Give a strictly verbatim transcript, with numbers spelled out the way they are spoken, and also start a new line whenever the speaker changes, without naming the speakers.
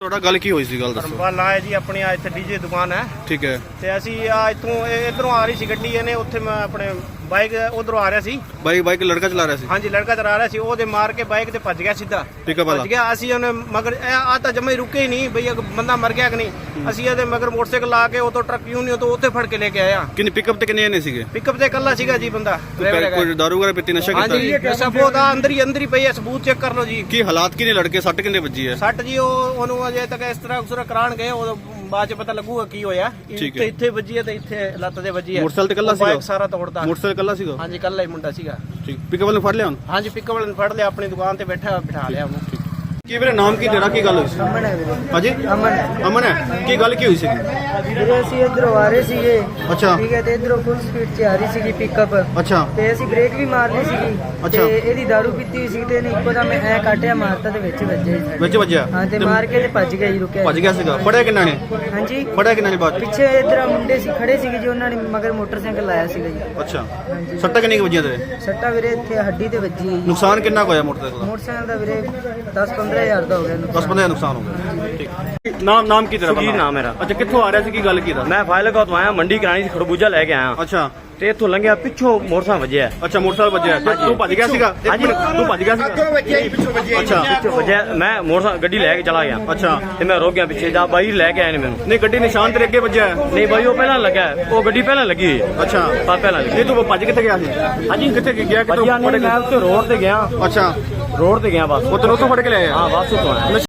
ਤੁਹਾਡਾ ਗੱਲ ਕੀ ਹੋਈ ਸੀ, ਗੱਲ ਦੱਸੋ।
ਧਰਮਪਾਲ ਨਾਂ ਹੈ ਜੀ ਆਪਣੀ, ਆ ਇੱਥੇ ਡੀਜੇ ਦੁਕਾਨ ਹੈ।
ਠੀਕ ਹੈ।
ਤੇ ਅਸੀਂ ਆ ਇੱਥੋਂ ਇਧਰੋਂ ਆ ਰਹੀ ਸੀ ਗੱਡੀ, ਇਹਨੇ ਉੱਥੇ ਮੈਂ ਆਪਣੇ ਬਾਈਕ ਉਧਰੋਂ ਆ ਰਿਹਾ ਸੀ।
ਬਾਈਕ ਬਾਈਕ ਲੜਕਾ ਚਲਾ ਰਿਹਾ ਸੀ।
ਹਾਂਜੀ ਲੜਕਾ ਚਲਾ ਰਿਹਾ ਸੀ, ਉਹਦੇ ਮਾਰ ਕੇ ਬਾਈਕ ਤੇ ਭੱਜ ਗਿਆ ਸਿੱਧਾ।
ਪਿਕਅਪ ਵਾਲਾ
ਭੱਜ ਗਿਆ। ਅਸੀਂ ਉਹਨੇ ਮਗਰ ਆ ਤਾਂ ਜਮੇ ਰੁਕੇ ਹੀ ਨਹੀਂ ਬਈ ਬੰਦਾ ਮਰ ਗਿਆ ਕਿ ਨਹੀਂ। ਅਸੀਂ ਇਹਦੇ ਮਗਰ ਮੋਟਰਸਾਈਕਲ ਲਾ ਕੇ ਉਹ ਤੋਂ ਟਰੱਕ ਯੂਨੀਅਨ ਤੋਂ ਉੱਥੇ ਫੜ ਕੇ ਲੈ ਕੇ ਆਇਆ।
ਕਿੰਨੇ ਪਿਕਅਪ ਤੇ ਕਿੰਨੇ ਨੇ ਸੀਗੇ?
ਪਿਕਅਪ ਤੇ ਇਕੱਲਾ ਸੀਗਾ ਜੀ ਬੰਦਾ।
ਕੋਈ ਦਾਰੂ ਵਗੈਰਾ ਪੀਤੀ, ਨਸ਼ਾ ਕੀਤਾ?
ਹਾਂਜੀ ਸਬੂਤ ਆ ਅੰਦਰ ਹੀ ਅੰਦਰ ਹੀ ਪਈ ਹੈ, ਸਬੂਤ ਚੈੱਕ ਕਰ ਲਓ ਜੀ।
ਕੀ ਹਾਲਾਤ ਕਿਨੇ ਲੜਕੇ ਸੱਟ ਕਿੰਨੇ ਵੱਜੀ ਹੈ?
ਸੱਟ ਜੀ ਉਹ ਉਹਨੂੰ ਅਜੇ ਤੱਕ ਇਸ ਤਰ੍ਹਾਂ ਉਸਰਾ ਕਰਾਣ ਗਏ, ਉਹ ਬਾਅਦ ਚ ਪਤਾ ਲੱਗੂਗਾ ਕੀ ਹੋਇਆ। ਇੱਥੇ ਇੱਥੇ ਵੱਜੀ ਹੈ ਤੇ ਇੱਥੇ ਲੱਤ ਤੇ ਵੱਜੀ ਹੈ।
ਮੋਟਰਸਾਈਕਲ ਤੇ ਇਕੱਲਾ ਸੀਗਾ?
ਬਾਈਕ ਸਾਰਾ ਤੋੜਦਾ।
ਮੋਟਰਸਾਈਕਲ ਇਕੱਲਾ ਸੀਗਾ?
ਹਾਂਜੀ ਇਕੱਲਾ ਹੀ ਮੁੰਡਾ ਸੀਗਾ।
ਠੀਕ। ਪਿਕਅਪ ਵਾਲੇ ਫੜ ਲਿਆ ਹੁਣ?
ਹਾਂਜੀ ਪਿਕਅਪ ਵਾਲੇ ਨੂੰ ਫੜ ਲਿਆ, ਆਪਣੀ ਦੁਕਾਨ ਤੇ ਬੈਠਾ ਬਿਠਾ ਲਿਆ ਉਹਨੂੰ।
ਕੀ ਵੀਰੇ ਨਾਮ ਕੀ ਤੇਰਾ, ਕੀ ਗੱਲ ਹੋਈ ਸੀ?
ਅਮਨ ਹੈ ਵੀਰੇ।
ਹਾਂਜੀ
ਅਮਨ
ਅਮਨ ਹੈ। ਕੀ ਗੱਲ ਕੀ ਹੋਈ ਸੀ?
ਵੀਰੇ ਅਸੀਂ ਇਧਰੋਂ ਆ ਰਹੇ ਸੀਗੇ।
ਅੱਛਾ।
ਠੀਕ ਹੈ, ਤੇ ਇਧਰੋਂ ਫੁੱਲ ਸਪੀਡ 'ਚ ਆ ਰਹੀ ਸੀਗੀ ਪਿਕਅਪ।
ਅੱਛਾ।
ਤੇ ਅਸੀਂ ਬ੍ਰੇਕ ਵੀ ਮਾਰਨੀ ਸੀਗੀ।
ਅੱਛਾ।
ਤੇ ਇਹਦੀ ਦਾਰੂ ਪੀਤੀ ਹੋਈ ਸੀ ਤੇ ਇਹਨੇ ਇੱਕੋ ਦਮ ਐ ਕਾਟਿਆ, ਮਾਰਤਾ ਤੇ ਵਿੱਚ ਵੱਜਿਆ ਜੀ ਸਾਡੇ।
ਵਿੱਚ ਵੱਜਿਆ?
ਹਾਂ, ਤੇ ਮਾਰ ਕੇ ਤੇ ਭੱਜ ਗਿਆ ਜੀ, ਰੁਕਿਆ
ਭੱਜ ਗਿਆ ਸੀਗਾ। ਫੜਿਆ ਕਿੰਨਾ ਨੇ?
ਹਾਂਜੀ
ਫੜਿਆ ਕਿੰਨਾ ਨੇ ਬਾਅਦ ਚ?
ਪਿੱਛੇ ਇਧਰ ਮੁੰਡੇ ਸੀ ਖੜੇ ਸੀਗੇ ਜੀ, ਉਹਨਾਂ ਨੇ ਮਗਰ ਮੋਟਰਸਾਈਕਲ ਲਾਇਆ ਸੀਗਾ ਜੀ।
ਅੱਛਾ।
ਹਾਂਜੀ।
ਸੱਟਾਂ ਕਿੰਨੀ ਕੁ ਵੱਜੀਆਂ ਤੇਰੇ?
ਸੱਟਾ ਵੀਰੇ ਇੱਥੇ ਹੱਡੀ ਤੇ ਵੱਜੀ ਹੈ ਜੀ।
ਨੁਕਸਾਨ ਕਿੰਨਾ ਕੁ ਹੋਇਆ ਮੋਟਰਸਾਈਕਲ ਦਾ?
ਮੋਟਰਸਾਈਕਲ ਦਾ ਵੀਰੇ ਦਸ ਪੰਦਰਾਂ ਹਜ਼ਾਰ ਦਾ ਹੋ ਗਿਆ
ਦਸ ਪੰਦਰਾਂ ਨੁਕਸਾਨ ਹੋ ਗਿਆ। ਠੀਕ। ਨਾਮ ਨਾਮ ਕੀ ਤੇਰਾ?
ਸੁਖੀਰ ਨਾਮ ਮੇਰਾ।
ਅੱਛਾ, ਕਿੱਥੋਂ ਆ ਰਿਹਾ ਸੀ, ਕੀ ਗੱਲ ਕੀ ਦਾ?
ਮੈਂ ਫਾਇਲਕਾ ਤੋਂ ਆਇਆ, ਮੰਡੀ ਕਰਾਣੀ ਸੀ, ਖਰਬੂਜਾ ਲੈ ਕੇ ਆਇਆ
ਅੱਛਾ।
ਤੇ ਇੱਥੋਂ ਲੰਘਿਆ, ਪਿੱਛੋਂ ਮੋਟਰਸਾਈਕਲ ਵੱਜਿਆ।
ਅੱਛਾ, ਮੋਟਰਸਾਈਕਲ ਵੱਜਿਆ ਤੇ ਤੂੰ ਭੱਜ ਗਿਆ ਸੀਗਾ?
ਹਾਂਜੀ।
ਤੂੰ ਭੱਜ ਗਿਆ ਸੀਗਾ? ਅੱਛਾ।
ਪਿੱਛੋਂ ਵੱਜਿਆ, ਮੈਂ ਮੋਟਰਸਾਈਕਲ ਗੱਡੀ ਲੈ ਕੇ ਚਲਾ ਗਿਆ।
ਅੱਛਾ।
ਤੇ ਮੈਂ ਰੁਕ ਗਿਆ ਪਿੱਛੇ, ਜਾ ਬਾਈ ਲੈ ਕੇ ਆਏ ਨੇ ਮੈਨੂੰ।
ਨਹੀਂ, ਗੱਡੀ ਨਿਸ਼ਾਨ ਤੇਰੇ ਅੱਗੇ ਵੱਜਿਆ ਹੈ?
ਨਹੀਂ ਬਾਈ, ਉਹ ਪਹਿਲਾਂ ਲੱਗਾ, ਉਹ ਗੱਡੀ ਪਹਿਲਾਂ ਲੱਗੀ ਹੋਈ ਹੈ।
ਅੱਛਾ।
ਤਾਂ ਪਹਿਲਾਂ ਲੱਗੀ।
ਨਹੀਂ, ਤੂੰ ਭੱਜ ਕਿੱਥੇ ਗਿਆ ਸੀ?
ਹਾਂਜੀ।
ਕਿੱਥੇ ਗਿਆ? ਕਿੱਥੋਂ
ਭੱਜਿਆ
ਫੜ
ਨਹੀਂ,
ਕੇ?
ਮੈਂ ਉੱਥੇ ਰੋਡ ਤੇ ਗਿਆ।
ਅੱਛਾ।
ਰੋਡ ਤੇ ਗਿਆ ਬਸ।
ਉਹ ਤੈਨੂੰ ਉੱਥੋਂ ਫੜ ਕੇ ਲਿਆਇਆ?
ਹਾਂ ਬਸ ਉੱਥੋਂ ਆਇਆ।